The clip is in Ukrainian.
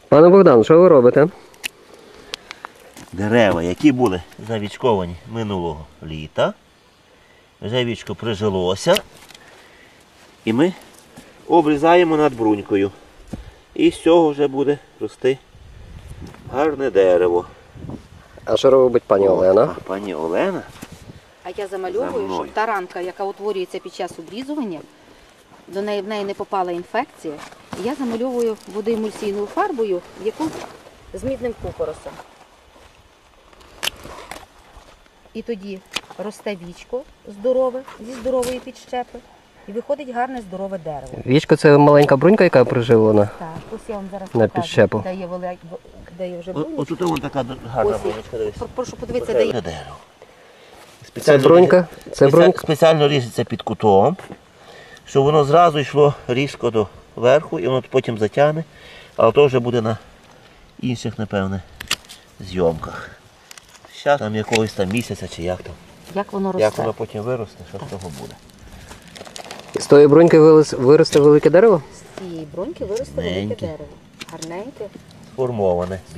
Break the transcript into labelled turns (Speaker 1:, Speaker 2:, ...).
Speaker 1: Пане Богдан, що ви робите?
Speaker 2: Дерева, які були завічковані минулого літа. Вже вічко прижилося. І ми обрізаємо над брунькою. І з цього вже буде рости гарне дерево.
Speaker 1: А що робить пані Олена?
Speaker 2: А пані Олена?
Speaker 3: А я замальовую, щоб та ранка, яка утворюється під час обрізування, в неї не попала інфекція. І я замальовую водоемульсійною фарбою, яку з мідним купоросом. І тоді росте вічко здорове, зі здорової підщепи, і виходить гарне здорове дерево.
Speaker 1: Вічко – це маленька брунька, яка приживлена
Speaker 3: Так, ось я вам зараз
Speaker 1: на
Speaker 3: покажу,
Speaker 1: підщепу.
Speaker 3: де є вже брунька.
Speaker 2: Ось тут вон така гарна
Speaker 3: Ось,
Speaker 2: брунечка, дивись.
Speaker 3: прошу подивитися, де є.
Speaker 2: Дерево.
Speaker 1: Це брунька? Це брунька?
Speaker 2: Спеціально ріжеться під кутом, щоб воно зразу йшло різко до верху і воно потім затягне, але то вже буде на інших, напевне, зйомках. Зараз там якогось там місяця чи як там.
Speaker 3: Як воно росте?
Speaker 2: Як воно потім виросте, що з того буде.
Speaker 1: З тої бруньки виросте велике дерево?
Speaker 3: З цієї бруньки виросте велике
Speaker 2: Маленьке.
Speaker 3: дерево. Гарненьке.
Speaker 2: Сформоване.